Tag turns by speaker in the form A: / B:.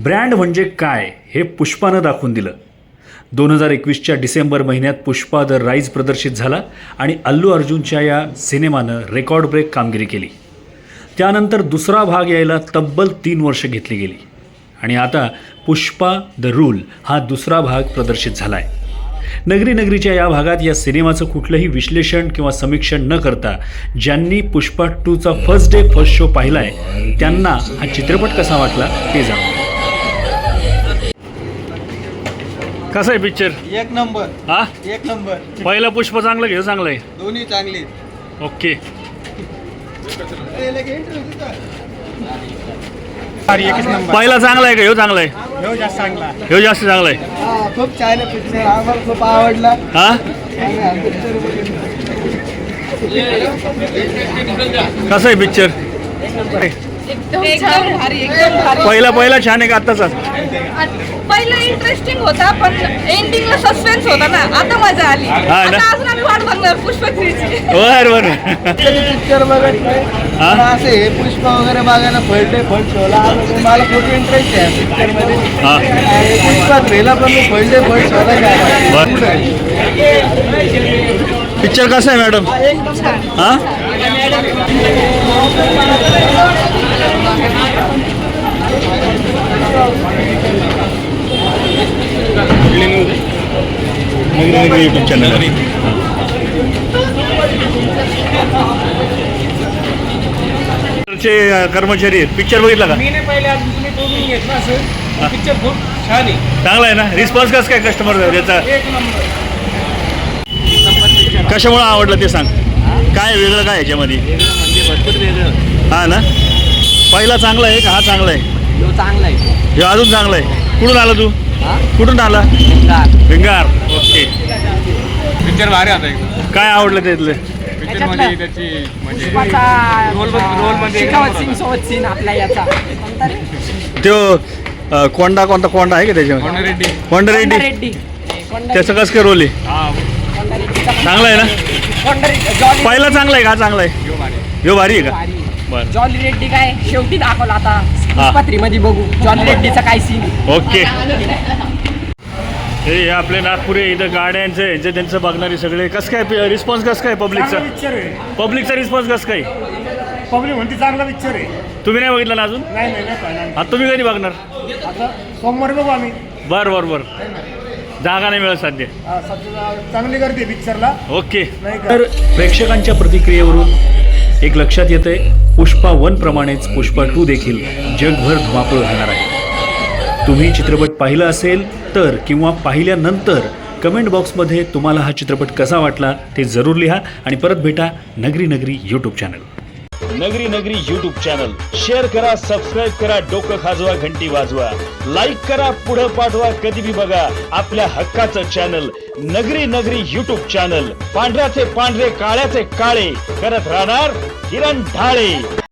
A: Brand म्हणजे काय हे पुष्पानं दाखवून दिलं. 2021च्या डिसेंबर महिन्यात पुष्पा द राईज प्रदर्शित झाला आणि अल्लू अर्जुनच्या या सिनेमानं रेकॉर्ड ब्रेक कामगिरी केली. त्यानंतर दुसरा भाग यायला तब्बल 3 वर्ष घेतली गेली आणि आता पुष्पा द रूल हा दुसरा भाग प्रदर्शित झाला आहे. नगरी नगरीच्या या भागात या सिनेमाचं कुठलंही विश्लेषण किंवा समीक्षण न करता ज्यांनी पुष्पा 2चा फर्स्ट डे फर्स्ट शो पाहिला आहे त्यांना हा चित्रपट कसा वाटला ते जाणून. कसा आहे पिक्चर?
B: एक नंबर.
A: हा,
B: एक नंबर.
A: पहिला पुष्प चांगलं घेऊ, चांगलं आहे.
B: दोन्ही चांगले.
A: ओके. पहिला चांगला आहे का ह्यो चांगला आहे?
B: ह्यो जास्त चांगला.
A: ह्यो जास्त चांगला आहे.
B: खूप छान आहे पिक्चर, आम्हाला खूप आवडला.
A: हा, कसा आहे पिक्चर?
C: एकदम भारी, एकदम भारी.
A: पहिला छान आहे का आत्ताचा?
C: पहिलं इंटरेस्टिंग होता पण एंडिंगला सस्पेन्स होता ना, आता मजा आली.
A: ना?
C: आता अजून आम्ही वाट बघणार पुष्पा 3ची.
A: बरं.
B: पिक्चर बघत नाही
A: हा?
B: पण असे हे पुष्पा वगैरे बघायला फर्स्ट शोला आलो. मला खूप इंटरेस्ट आहे पिक्चर मध्ये.
A: हा.
B: आणि पुष्पा 3ला पण मी फर्स्ट शोला
A: बरं. पिक्चर कसा आहे मॅडम? हा, यूट्यूब चॅनल कर्मचारी आहेत. पिक्चर बघितला का?
B: मी नाही पहिले अजून, तुम्ही बघून घेतला असेल. पिक्चर खूप छान आहे.
A: चांगला आहे ना? रिस्पॉन्स कसं काय कस्टमर त्याचा?
B: एक नंबर.
A: कशामुळे आवडलं ते सांग. काय वेगळं काय याच्यामध्ये?
B: म्हणजे भरपूर वेगळं.
A: हा ना, पहिला चांगला आहे का हा चांगला आहे?
B: ह्यो चांगला आहे.
A: हे अजून चांगला आहे. कुठून आला तू? कुठून आला? भिंगार. ओके.
D: पिक्चर भारी आता एकदम.
A: काय आवडलं त्यातलं?
D: पिक्चर मध्ये त्याची म्हणजे
B: सोबत सीन आपला याचा
A: तो कोणता कोंडा आहे का त्याच्यामध्ये? कोंडा रेड्डी. त्याचं कसं काय रोल आहे? चांगला आहे ना? पहिला चांगला आहे का चांगला आहे? ह्यो भारी आहे का? बरं.
E: जॉली रेड्डी काय शेवटी दाखवला आता
A: हा.
E: मध्ये बघू जॉली रेड्डीचा काय सीन.
A: ओके. हे आपले नागपुरे इथं गाड्यांचं यांचं त्यांचं बघणारे सगळे कसं काय रिस्पॉन्स कसं काय पब्लिकचा? पब्लिकचा रिस्पॉन्स कसं काय?
B: पब्लिक म्हणते चांगला पिक्चर आहे.
A: तुम्ही नाही बघितलं ना अजून?
B: नाही पाहिला.
A: आता तुम्ही कधी बघणार?
B: आता सोमवारी बघू आम्ही.
A: बरं. जागा नाही मिळत सध्या.
B: सध्या चांगली गर्दी पिक्चरला.
A: ओके.
B: नाही का?
A: तर प्रेक्षकांच्या प्रतिक्रियेवरून एक लक्षात येतंय, पुष्पा 1 प्रमाणेच पुष्पा 2 देखील जगभर धुमाकूळ घालणार आहे. तुम्ही चित्रपट पाहिला असेल तर किंवा पाहिल्यानंतर कमेंट बॉक्समध्ये तुम्हाला हा चित्रपट कसा वाटला ते जरूर लिहा आणि परत भेटा Nagari YouTube channel. Nagari YouTube channel share करा, सबस्क्राईब करा, डोकं खाजवा, घंटी वाजवा, लाईक करा, पुढं पाठवा, कधी भी बघा आपल्या हक्काचं चॅनल नगरी यूट्यूब चॅनल. पांढऱ्याचे पांढरे, काळ्याचे काळे करत राहणार किरण ढाळे.